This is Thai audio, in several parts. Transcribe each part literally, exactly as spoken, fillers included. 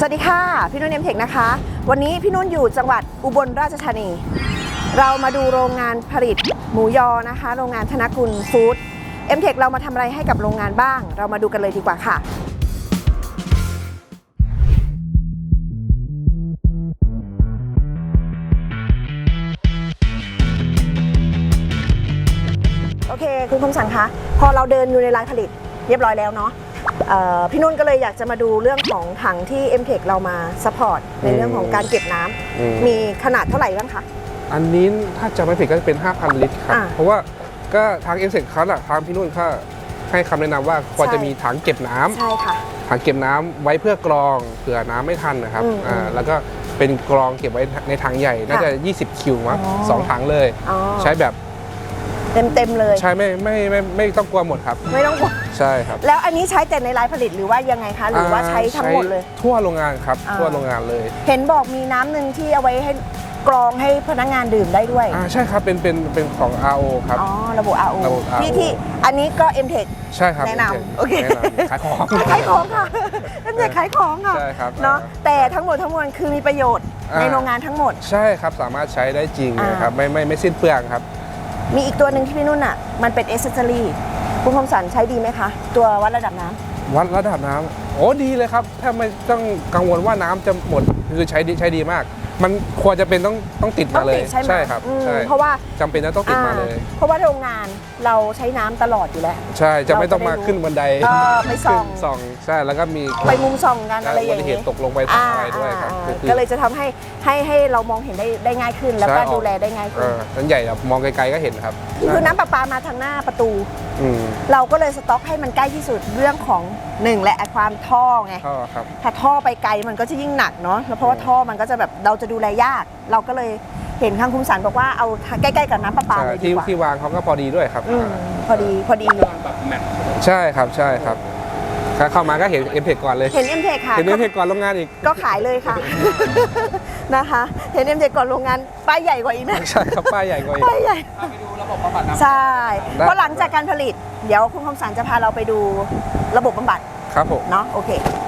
สวัสดีค่ะพี่นุ่นเอ็มเทคนะคะวันนี้พี่นุ่นอยู่จังหวัดอุบลราชธานีเรามาดูโรงงานผลิตหมูยอนะคะโรงงานธนกุลฟู้ดเอ็มเทคเรามาทำอะไรให้กับโรงงานบ้างเรามาดูกันเลยดีกว่าค่ะโอเคคุณคมสันคะพอเราเดินอยู่ในลานผลิตเรียบร้อยแล้วเนาะพี่นุ่นก็เลยอยากจะมาดูเรื่องของถังที่ เอ็ม เทค เรามาซัพพอร์ตในเรื่องของการเก็บน้ำมีขนาดเท่าไหร่บ้างคะอันนี้ถ้าจะไม่ผิดก็จะเป็น ห้าพัน ลิตรครับเพราะว่าก็ทาง เอ็ม เทค เขาทางพี่นุ่นเขาให้คำแนะนำว่าควรจะมีถังเก็บน้ำใช่ค่ะถังเก็บน้ำไว้เพื่อกรองเผื่อน้ำไม่ทันนะครับอ่าแล้วก็เป็นกรองเก็บไว้ในถังใหญ่น่าจะยี่สิบคิวมั้งสองถังเลยใช้แบบเต็มเต็มเลยใช่ไม่ไม่ไม่ไม่ต้องกลัวหมดครับไม่ต้องกลัวใช่ครับแล้วอันนี้ใช้แต่ในรายผลิตหรือว่ายังไงคะหรือว่าใช้ทั้งหมดเลยทั่วโรงงานครับทั่วโรงงานเลยเห็นบอกมีน้ำหนึ่งที่เอาไว้ให้กรองให้พนักงานดื่มได้ด้วยอ่าใช่ครับเป็นเป็นเป็นของ อาร์ โอ ครับอ๋อระบบ อาร์ โอ ที่ที่อันนี้ก็ เอ็ม เทคใช่ครับแนะนำโอเคขายของขายของค่ะ เอ็ม เทค ขายของค่ะใช่ครับเนาะแต่ทั้งหมดทั้งมวลคือมีประโยชน์ในโรงงานทั้งหมดใช่ครับสามารถใช้ได้จริงนะครับไม่ไม่ไม่สิ้นเปลืองครับมีอีกตัวหนึ่งที่พี่นุ่นอ่ะมันเป็นเอเซสซอรี่คุณคมสันใช้ดีไหมคะตัววัดระดับน้ำวัดระดับน้ำโอ้ดีเลยครับถ้าไม่ต้องกังวลว่าน้ำจะหมดคือใช้ดีใช้ดีมากมันควรจะเป็นต้องต้องติดมาเลยใช่ครับใช่เพราะว่าจำเป็นต้องติดมาเลยเพราะว่าโรงงานเราใช้น้ำตลอดอยู่แล้วใช่จะไม่ต้องมาขึ้นบันไดไปส่องส่องใช่แล้วก็มีไปมุมส่องกันอะไรอย่างเงี้ยตกลงไปทำอะไรด้วยครับก็เลยจะทำให้ให้ให้เรามองเห็นได้ได้ง่ายขึ้นแล้วก็ดูแลได้ง่ายขึ้นนั้นใหญ่แบบมองไกลๆก็เห็นครับคือน้ำประปามาทางหน้าประตูเราก็เลยสต็อกให้มันใกล้ที่สุดเรื่องของหนึ่งและความท่อไงถ้าท่อไปไกลมันก็จะยิ่งหนักเนาะเพราะว่าท่อมันก็จะแบบเราจะดูแลยากเราก็เลยเห็นทางคุณสันบอกว่าเอาใกล้ๆกับน้ำประปาเลยดีกว่าที่วางเขาก็พอดีด้วยครับพอดีพอดีใช่ครับใช่ครับเข้ามาก็เห็น เอ็ม เทค ก่อนเลยเห็น เอ็ม เทค ค่ะเห็น เอ็ม เทค ก่อนโรงงานอีกก็ขายเลยค่ะนะคะเห็น เอ็ม เทค ก่อนโรงงานป้ายใหญ่กว่าอีกนะใช่ครับป้ายใหญ่กว่าอีกป้ายใหญ่ไปดูระบบบำบัดใช่เพราะหลังจากการผลิตเดี๋ยวคุณคมสันจะพาเราไปดูระบบบำบัดครับผมเนาะโอเค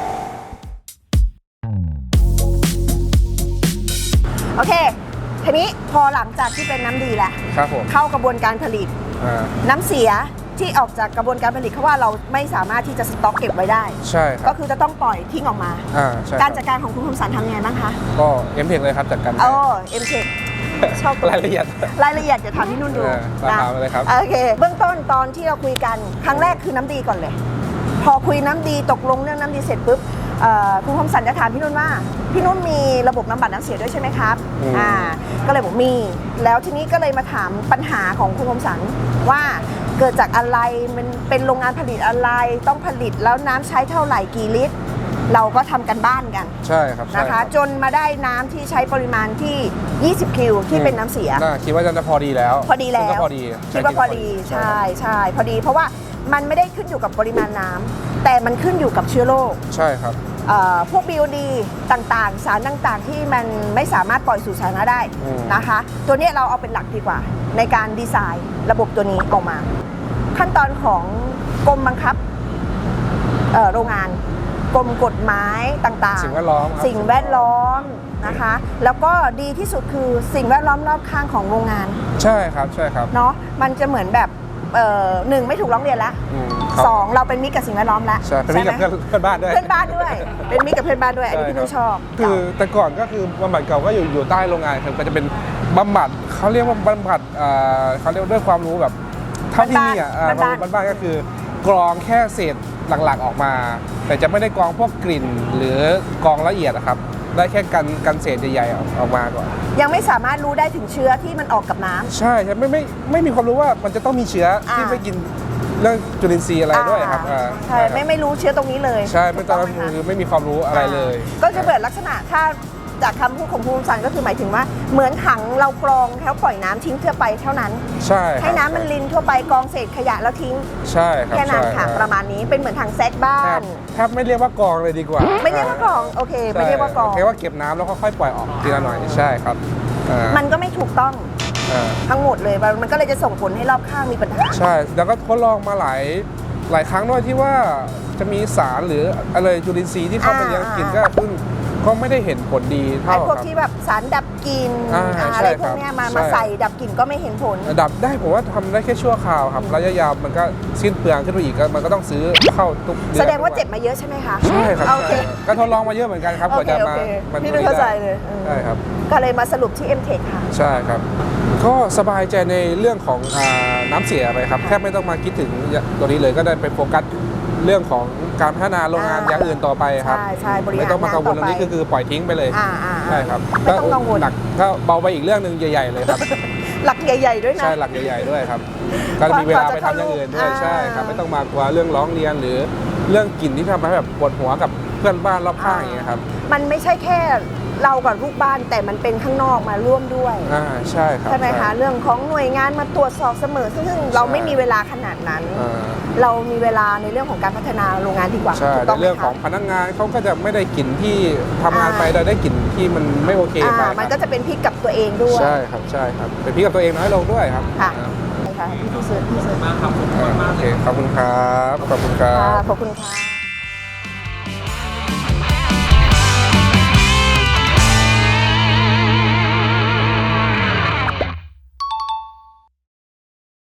โอเคทีนี้พอหลังจากที่เป็นน้ำดีแล้วครับผมเข้ากระบวนการผลิตน้ำเสียที่ออกจากกระบวนการผลิตเพราะว่าเราไม่สามารถที่จะสต็อกเก็บไว้ได้ใช่ก็คือจะต้องปล่อยทิ้งออกมาการจัดการของคุณคมสันทำยังไงบ้างคะก็ เอ็ม เทค เลยครับจัดการอ๋อ เอ็ม เทค ชอบรายละเอียดรายละเอียดเดี๋ยวถามพี่นุ่นดูนะเลยครับโอเคเบื้องต้นตอนที่เราคุยกันครั้งแรกคือน้ำดีก่อนเลยพอคุยน้ำดีตกลงเรื่องน้ำดีเสร็จปุ๊บคุณคมสันจะถามพี่นุ่นว่าพี่นุ่นมีระบบน้ำบัดน้ำเสียด้วยใช่ไหมครับอ่าก็เลยบอกมีแล้วทีนี้ก็เลยมาถามปัญหาของคุณคมสันว่าเกิดจากอะไรมันเป็นโรงงานผลิตอะไรต้องผลิตแล้วน้ำใช้เท่าไหร่กี่ลิตรเราก็ทำกันบ้านกันใช่ครับนะคะจนมาได้น้ำที่ใช้ปริมาณที่ยี่สิบคิวที่เป็นน้ำเสียคิดว่าจะพอดีแล้วพอดีแล้วพอดีคิดว่าพอดีใช่ใช่พอดีเพราะว่ามันไม่ได้ขึ้นอยู่กับปริมาณน้ำแต่มันขึ้นอยู่กับเชื้อโรคใช่ครับพวก บี โอ ดี ต่างๆสารต่างๆที่มันไม่สามารถปล่อยสู่สาธารณะได้นะคะตัวนี้เราเอาเป็นหลักดีกว่าในการดีไซน์ระบบตัวนี้ออกมาขั้นตอนของกรมบังคับโรงงานกรมกฎหมายต่างๆสิ่งแวดล้อมสิ่งแวดล้อมนะคะแล้วก็ดีที่สุดคือสิ่งแวดล้อมรอบข้างของโรงงานใช่ครับใช่ครับเนาะมันจะเหมือนแบบหนึ่งไม่ถูกร้องเรียนแล้วสองเราเป็นมิตรกับสิ่งแวดล้อมแล้วใช่เป็นมิตรกับเพื่อนบ้านด้วยเพื่อนบ้านด้วยเป็นมิตรกับเพื่อนบ้านด้วยอันนี้พี่นุ่นชอบคือแต่ก่อนก็คือบำบัดเก่าก็อยู่อยู่ใต้โรงงานครับก็จะเป็นบำบัดเขาเรียกว่าบำบัดเขาเรียกด้วยความรู้แบบเท่าที่นี่อ่ะบ้านๆก็คือกรองแค่เศษหลักๆออกมาแต่จะไม่ได้กรองพวกกลิ่นหรือกรองละเอียดนะครับได้แค่กันกันเศษใหญ่ๆออกมาก่อนยังไม่สามารถรู้ได้ถึงเชื้อที่มันออกกับน้ำใช่ใช่ไม่ไม่ไม่มีความรู้ว่ามันจะต้องมีเชื้อที่ไม่กินเรื่องจุลินทรีย์อะไรด้วยครับใช่ไม่ไม่รู้เชื้อตรงนี้เลยใช่ไม่ต้องคือไม่มีความรู้อะไรเลยก็จะเปิดลักษณะถ้าจากคำพูดของภูมิสันก็คือหมายถึงว่าเหมือนถังเรากรองแล้วปล่อยน้ำทิ้งทั่วไปเท่านั้นใช่ให้น้ำมันลินทั่วไปกรองเศษขยะแล้วทิ้งใช่ครับแค่นั้นค่ะประมาณนี้เป็นเหมือนถังแซกบ้านแทบไม่เรียกว่ากรองเลยดีกว่าไม่เรียกว่ากรองโอเคไม่เรียกว่ากรองแค่ว่าเก็บน้ำแล้วค่อยๆปล่อยออกทีละหน่อยใช่ครับมันก็ไม่ถูกต้องทั้งหมดเลยมันก็เลยจะส่งผลให้รอบข้างมีปัญหาใช่แล้วก็ทดลองมาหลายหลายครั้งด้วยที่ว่าจะมีสารหรืออะไรจุลินทรีย์ที่เข้าไปยังกลิ่นก็เพิ่งก็ไม่ได้เห็นผลดีไอ้เท่าพวกครับที่แบบสารดับกลิ่นอ่าอ่าใช่อะไรพครัวกบเนี้ยมาใช่มาใส่ดับกลิ่นก็ไม่เห็นผลดับได้ผมว่าทำได้แค่ชั่วคราวครับระยะยาวมันก็สิ้นเปลืองขึ้นไปอีกก็มันก็ต้องซื้อเข้าทุกเดือนแสดงว่าเจ็บมาเยอะใช่ไหมคะใช่ครับโอเคใช่ครับก็ทดลองมาเยอะเหมือนกันครับกโอว่าเคจะโอมาเคมันพี่นึกเข้าใจเลยใช่ครับก็เลยมาสรุปที่ เอ็ม เทค ค่ะใช่ครับ ก็สบายใจในเรื่องของอาน้ำเสียไปครับค่ะแทบไม่ต้องมาคิดถึงตัวนี้เลยก็ได้ไปโฟกัสเรื่องของการพัฒนาโรงงานอ่าอย่างอื่นต่อไปครับใช่ใช่บริหารไม่ต้องมากังวลตรงนี้งานต่อไปก็คือปล่อยทิ้งไปเลยอ่าอ่าใช่ครับไม่ต้องกังวลหนักก็เบาไปอีกเรื่องหนึ่งใหญ่ ๆ เลยครับหลักใหญ่ ๆ ด้วยนะใช่หลักใหญ่ๆด้วยครับ ก็มีเวลาไปทำอย่างอื่นด้วยอ่าใช่ครับไม่ต้องมากลัวเรื่องร้องเรียนหรือเรื่องกลิ่นที่ทำให้แบบปวดหัวกับเพื่อนบ้านรอบข้างอย่างเงี้ยครับมันไม่ใช่แค่เรากับลูกบ้านแต่มันเป็นข้างนอกมาร่วมด้วยอ่าใช่ครับใช่ไหมคะเรื่องของหน่วยงานมาตรวจสอบเสมอ ซึ่งเราไม่มีเวลาขนาดนั้นอ่าเรามีเวลาในเรื่องของการพัฒนาโรงงานดีกว่าใช่ถูกในต้องไหมเรื่องของคะพนักงานเขาก็จะไม่ได้กลิ่นที่ทำงานอ่าไปโดยได้กลิ่นที่มันไม่โอเคอ่าไปมันก็จะเป็นพิษกับตัวเองด้วยใช่ครับใช่ครับเป็นพี่กับตัวเองน้อยลงด้วยครับค่ะใช่ค่ะพี่ผู้ซื้อพี่ซื้ออ่าโอเคขอบคุณครับขอบคุณครัค่ะบขอบคุณค่ะ